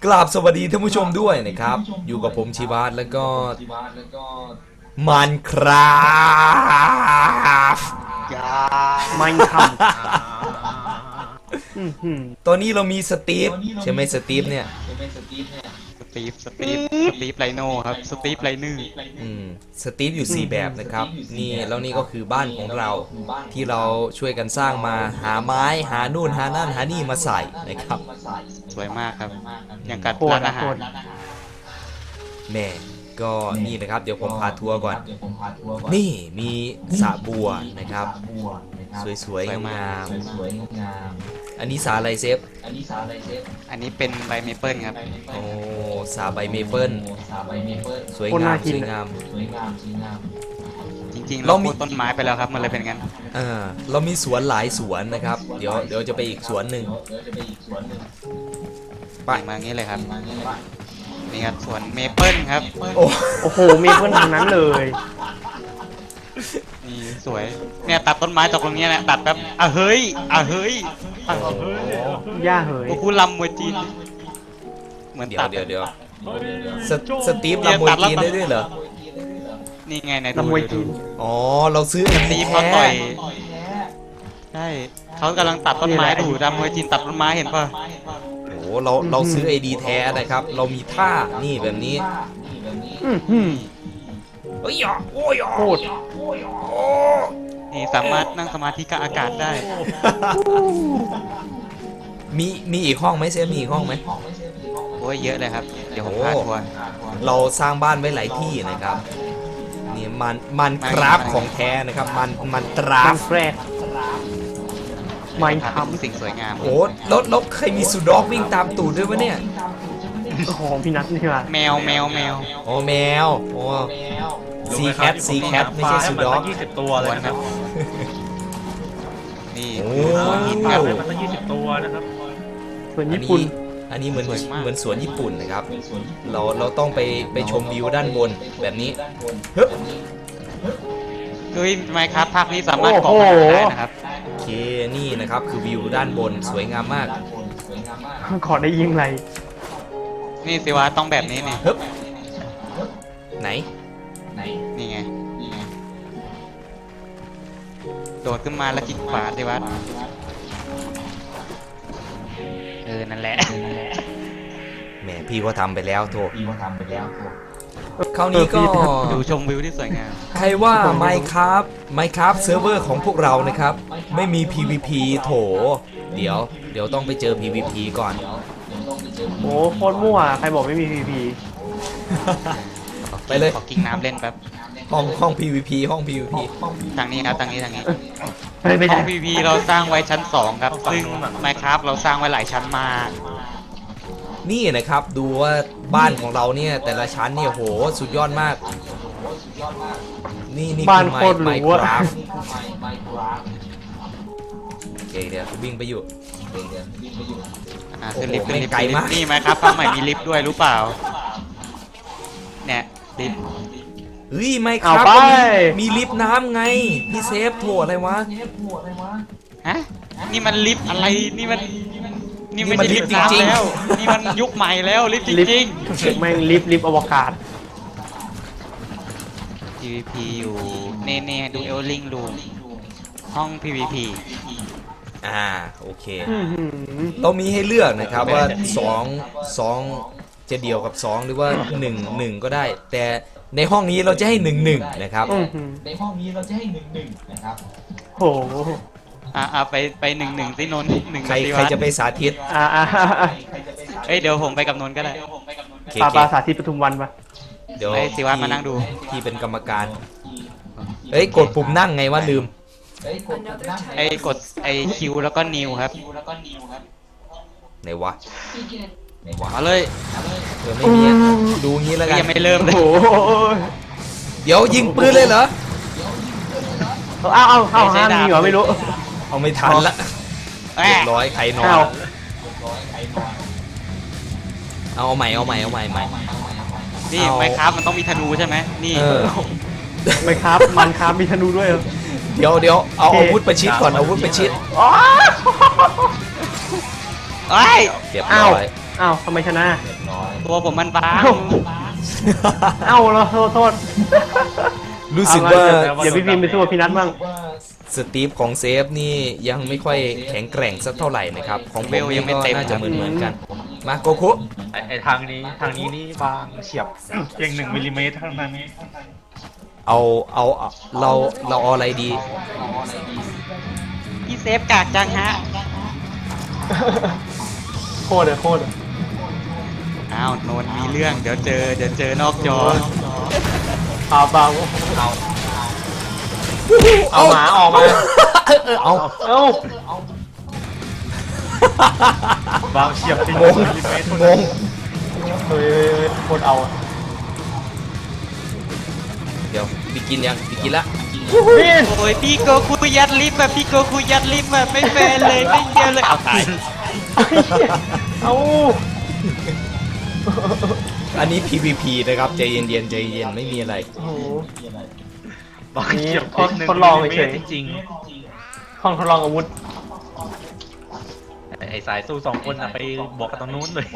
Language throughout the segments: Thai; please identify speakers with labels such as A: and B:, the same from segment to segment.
A: กราบสวัสดีท่านผู้ชมด้วยนะครับอยู่กับผมชีวาตแล้วก็มันครับ
B: มันท
A: ตอนนี้เรามีสตีฟใช่ไหมสตีฟเนี่ย
C: สตีฟไลโน่ครับสตีฟไลเนอร์
A: สตีฟอยู่4แบบนะครับนี่แล้วนี่ก็คือบ้านของเราที่เราช่วยกันสร้างมาหาไม้หานู่นหานั่นหานี่มาใส่นะครับ
C: สวยมากครับอย่างการร้านอาหาร
A: แม่ก็นี่นะครับเดี๋ยวผมพาทัวร์ก่อนนี่มีสระบัวนะครับสวยๆงามๆอันนี้สาอะไรเซฟ
C: อันนี้เป็นใบเมเปิลครับ
A: โอ้สาใบเมเปิลสวยงามสวยงาม
C: จริงๆเรามีต้นไม้ไปแล้วครับมันเลยเป็นงั้น
A: เรามีสวนหลายสวนนะครับเดี๋ยวจะไปอีกสวนหนึ่ง
C: ไปมางี้เลยครับนี่ครับสวนเมเปิลครับ
B: โอ้โหเมเปิลทางนั้นเลย
C: นี่สวยเนี่ยตัดต้นไม้ตกตรงนี้แหละตัดแบบเฮ้ย
B: ย่าเฮ้ย
C: พวกคุณลำมวยจีนเหมือนตัด
A: เดี๋ยวสตีฟลำมวยจีนได้ด้วยเหรอ
C: นี่ไงใน
B: ลำมวยจีน
A: อ๋อเราซื้อ
C: สตีฟเขาต่อยใช่เขากำลังตัดต้นไม้ดูลำมวยจีนตัดต้นไม้เห็นป่ะ
A: โอ้เราซื้อไอดีแท้นะครับเรามีท่านี่แบบนี้โอ้ย
B: โคตร
C: นี่สามารถนั่งสมาธิกับอากาศได้
A: มีอีกห้องไหมเซฟมีอีกห้องไหม
C: โอ้ยเยอะเลยครับเดี๋ยวผมพาทัวร์
A: เราสร้างบ้านไว้หลายที่นะครับนี่มันคราฟของแท้นะครับมันตราฟ
B: ไม่ท
C: ำสิ่งสวยงาม
A: โอ้รถใครมีสุดอกวิ่งตามตูดด้วยวะเนี่ย
B: ของพี่นัทนี่ว่ะ
C: แมว
A: โอ้แมวโอ้ซีแคทไม่ใช่สุดอก
D: 20 ตัวเลยนะครับ
C: นี่
A: สวน
D: หินครับมันตั้ง20 ตัวนะครับ
B: สวนญี่ปุ่น
A: อันนี้เหมือนสวนญี่ปุ่นนะครับเราต้องไปชมวิวด้านบนแบบนี้
C: เฮ้ยไมค์ครับภาคนี้สามารถก่อได้นะครับ
A: โอเคนี่นะครับคือวิวด้านบนสวยงามมาก
B: ขอได้ยิงไร
C: นี่สิวะต้องแบบนี้นี่
A: ไหน
C: นี่ไงโดดขึ้นมาแล้วคลิกขวาสิวะนั่นแหละ
A: แหมพี่ก็ทำไปแล้วโถคราวนี้ก็
C: ดูชมวิวที่สวยงาม
A: ใครว่า Minecraft เซิร์ฟเวอร์ของพวกเรานะครับไม่มี PVP โถเดี๋ยวต้องไปเจอ PVP ก่อน
B: โอ้โคตรมั่วใครบอกไม่มี PVP
A: ไปเลย
C: ขอกิ้งน้ำเล่นแป๊บ
A: ห้อง PVP ห้อง PVP
C: ทางนี้ครับทางนี้ห้อง PVP เราสร้างไว้ชั้น2ครับซึ่ง Minecraft เราสร้างไว้หลายชั้นมาก
A: นี่นะครับดูว่าบ้านของเราเนี่ยแต่ละชั้นเนี่ยโหสุดยอดมากนี่
B: บ้านโคตรหรู
A: อะโอเคเดี๋ยววิ่งไปอยู่
C: คือลิฟต์ไกลมากนี่ไหมครับฟังใหม่มีลิฟต์ด้วยรู้เปล่าเนี่ยลิฟต์
A: เฮ้ยไม่ครับมีลิฟต์น้ำไงพี่เซฟโถอะไรวะ
C: ฮะนี่มันลิฟต์อะไรนี่ไม่ใช่ลิฟต์จริงๆแล้วนี่มันยุคใหม่แล้วลิฟต์จริง
B: ๆแม่งลิฟต์อวกาศ
C: PVP อยู่เน่ดูเอลลิงรูมห้อง PVP
A: โอเคเรามีให้เลือกนะครับว่า2จะเดียวกับ2หรือว่า1ก็ได้แต่ในห้องนี้เราจะให้1นะครับ
B: ในห้องนี้เราจะให้1นะครับโห
C: ไป1สินนท์1
A: ใครจะไปสาธิต
C: เดี๋ยวผมไปกับนนท์ก็ได้
B: ปาสาธิตปทุมวันปะ
A: เดี๋ยว
C: สิวัตมานั่งดู
A: ที่เป็นกรรมการกดปุ่มนั่งไงว่าลืม
C: กดคิวแล้วก็นิวครับ
A: ไหนวะ
C: มาเลย
A: ไม่มีดูงี้แล้วกัน
C: ยังไม่เริ่มเลย
A: เดี๋ยวยิงปืนเลยเหรอ
B: เอาห้ามมีเหรอไม่รู้
A: เอาไม่ทันละเรียบร้อยใครนอนเอาใหม่
C: นี่ไมค์ครับมันต้องมีธนูใช่ไหมนี่
B: ไมค์ครับมันครับมีธนูด้วย
A: เดี๋ยวเอาอาวุธประชิดก่อนอาวุธประชิดเรียบร้อย
B: อ้าวทำไมชนะ
C: ตัวผมมันบาง
B: เอ้าเราโทษ
A: รู้สึกว่า
B: เดี๋ยวพี่พิมพ์ไปสู้กับพี่นัทบ้าง
A: สตีฟของเซฟนี่ยังไม่ค่อยแข็งแกร่งสักเท่าไหร่นะครับ ของผมนี่ก็น่าจะเหมือนกัน มาโกคุ
D: ไอทางนี้นี่บางเฉียบ เพียง1 มิลลิเมตรเท่านั้น
A: เอาเราเอาอะไรดี
C: พี่เซฟกากจังฮะ
B: โคตรเลยโคตร
C: อ้าวนนท์มีเรื่องเดี๋ยวเจอนอกจอ
B: เบาเอาหมาออกมา
A: เอา
B: เอ้า
D: บางเฉียบจริง
A: งง
D: 1 มิลลิเมตรง เท่านั้น
B: เฮ้ยโคตรเอา
A: เดี๋ยวบิกินยังบิกินละ
B: พี่
C: โอ้ยพี่โกคุยัดลิฟต์แบบพี่โกคุยัดลิฟต์แบบไม่แฟร์เลยไม่เดียวเลยเอาตาย
B: เอา
A: อันนี้ PVP นะครับใจเย็นใจเย็นไม่มีอะไร
B: โอ้โห
D: บางเฉียบ
B: ทดลองเฉย
D: จริง
B: ห้องทดลองอาวุธ
D: ๆไอสายสู้2 คนอะไปบอกกันตรงนู้นเลย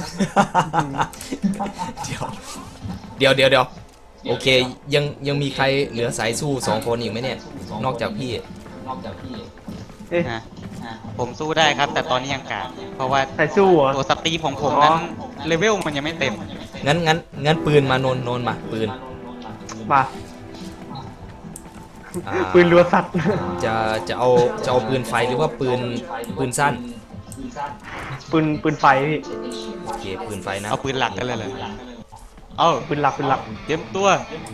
A: เดี๋ยวโอเคยังมีใครเหลือสายสู้2 คนอีกไหมเนี่ย นอกจากพี่
B: เอ๊ะ
C: ฮะผมสู้ได้ครับ แต่ตอนนี้ยังกากเพราะว่า
B: ใส่สู้เหรอ
C: ตัวสตีฟของผมนั้นเลเวลมันยังไม่เต็ม
A: งั้นปืนมานนมาปืน
B: มา
A: อ่า
B: ปืนรัวสัตว์
A: จะเอาปืนไฟหรือว่าปืนสั้น
B: ปืนไฟพี่
A: โอเคปืนไฟนะ
C: เอาปืนหลักกันเลยเลยเอ้า
B: ปืนหลัก
C: เตรียมตัว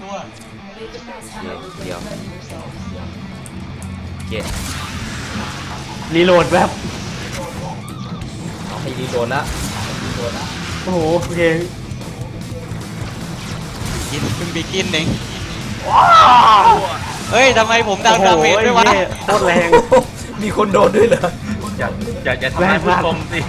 A: เดี๋ยวโอเค
B: รีโหลดแบบ
A: เอาให้รีโหลดละ
B: โอ้โหโอเค
C: กินเพิ่งบีกินเองเฮ้ยทำไมผมดาวดาเมจด้วยวะ
B: โอ้โหโคตรแรง
A: มีคนโดนด้วยเหรอ
D: อย่าทำร้ายผู้ชมสิ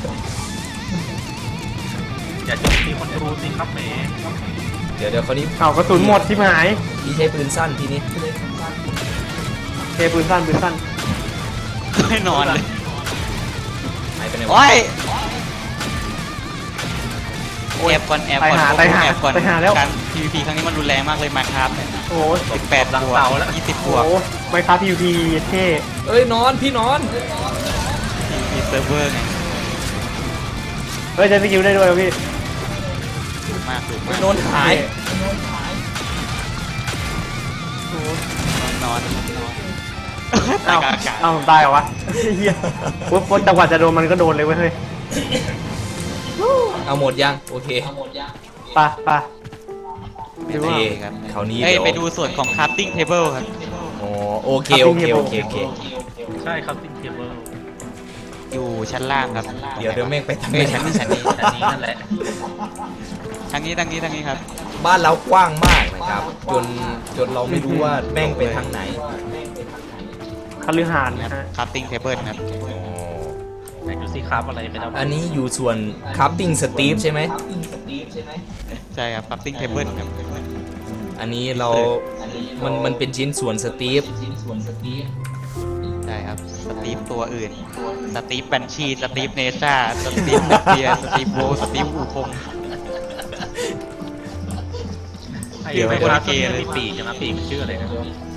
D: อย่าโจมตีคนดูสิครับแหม
A: เดี๋ยวคราวนี้
B: เอากระสุนหมดที่หาย
A: พี่ใช้ปืนสั้นทีนี้
B: เทปืนสั้น
C: ไม่นอนเลย
A: หายไปไหนวะ
C: โอ้ยแอบก่อน
B: ไปหา
C: การ PVP ครั้งนี้มันรุนแรงมากเลยมาครับเนี่ย
B: โอ้โห
C: 18 บวก20 บวก
B: โอ้โหไมค์คราฟ PVP เท่
A: เอ้ยนอนพี่นอน
C: PVP เซิร์ฟเวอร์ไง
B: เฮ้ยใช้สกิลได้ด้วยเหรอพี่
C: ถูกมาก
A: นอนหาย
B: โอ้โห
C: นอน
B: เอ้า
C: ตายกลางอากาศ
B: เอ้าตายเหรอวะเฮียปุ๊บจังหวะจะโดนมันก็โดนเลยเว้ยเฮ้ย
A: เอาหมดยังโอเค
B: ไป
C: ไม่
A: โอ
C: ได้
A: เค
C: ครับ
A: คราวนี้
C: เอ้ย
A: เดี๋ยว
C: ไปดูส่วนของ crafting table ครับ
A: อ๋อโอเค
D: ใช่ครับซิงเทเบิล
C: อยู่ชั้นล่างครับ
A: เดี๋ยวแม่งไปทาง
C: เอ้
A: ไหน
C: ยชั้นนี้
D: อันนี้นั่นแหละ
C: ทางนี้ครับ
A: บ้านเรากว้างมากนะครับ จนเราไม่รู้ว่าแม่งไปทางไหน
B: คฤหาสน์นะฮะ
C: crafting table ครับ
A: อ๋อ
D: ไหนดูสิครับอะไรไปแล้ว
A: อันนี้อยู่ส่วนคัพติ้งสตีฟใช่ไหม
C: ใช่ครับ crafting table ครับ
A: อันนี้มันเป็นชิ้นส่วนสตีฟ
C: ใช่ครับสตีฟตัวอื่นสตีฟบัญชีสตีฟเนซ่าสตีฟเบียร์สตีฟโบสตีฟอูคง
D: ไอ้
C: เดี๋ยว
D: ไม
C: ไม่
D: โคร
C: โดน
D: นา
C: เกย์เลย
D: มีปีกใช่ไหมปีกมันชื่ออะไรนะ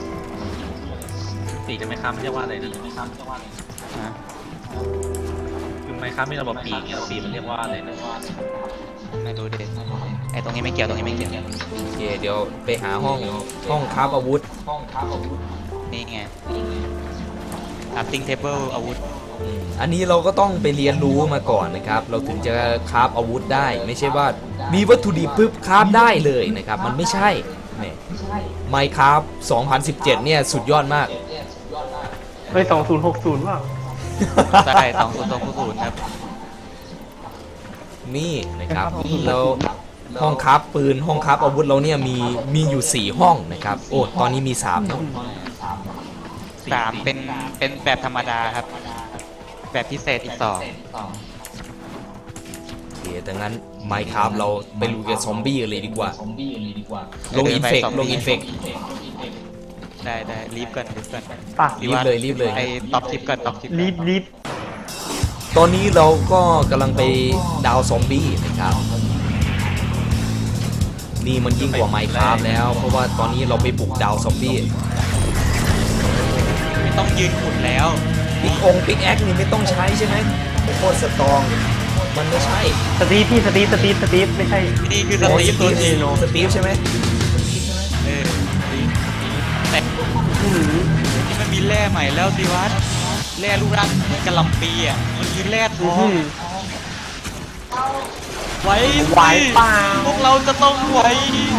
D: ปีกจะไม่ค้ามันเรียกว่าอะไรนะ
C: ฮะ
D: คือไมค้ามีระบบปีกปีกมันเรียกว่าอะไรนะ
C: ไม่รู้ดิไอตรงนี้ไม่เกี่ยวตรงนี้ไม่เกี่ยว
A: โอเคเดี๋ยวไปหาห้องคราฟอาวุธ
C: นี่ไง crafting table อาวุธ
A: อันนี้เราก็ต้องไปเรียนรู้มาก่อนนะครับ เราถึงจะคราฟอาวุธได้ ไม่ใช่ว่ามีวัตถุดิบปุ๊บคราฟได้เลยนะครับ มันไม่ใช่แหมไมค์คราฟ2017 เนี่ยสุดยอดมาก
B: เฮ้ย2060ว่า
C: ใช่2020ครับ
A: นี่นะครับแล้วห้องคราฟปืนห้องคราฟอาวุธเราเนี่ยมีอยู่4ห้องนะครับโอ้ตอนนี้มี3แล้ว
C: 3เป็นแบบธรรมดาครับ แบบพิเศษอีก2
A: โอเคดังนั้นไมค์คราฟเราไปลุยกับซอมบี้กันเลยดีกว่าลงอินเฟก
C: ได้รีบก่อน
B: ป่ะ
A: รีบเลย
C: ไอท็อปทิปก่อนท็อปทิป
B: รีบ
A: ตอนนี้เราก็กำลังไปดาวซอมบี้นะครับนี่มันยิ่งกว่าไมค์คราฟแล้วเพราะว่าตอนนี้เราไปบุกดาวซอมบี้
C: ไม่ต้องยืนขุดแล้ว
A: ปิกแอคนี่ไม่ต้องใช้ใช่ไหมโคตรสตรองมันไม่ใช่
B: สตีฟพี่สตีฟไม่ใช่
C: นี่คือสตีฟตัวจริง
A: สตีฟใช่ไหม
C: เออแต่ที่มันมีแร่ใหม่แล้วสิวัดแร่ลูกรักเหมือนกะหล่ำปีอ่ะมันคือแร่ทองไว้
B: ไหวเปล่า
C: พวกเราจะต้องไหว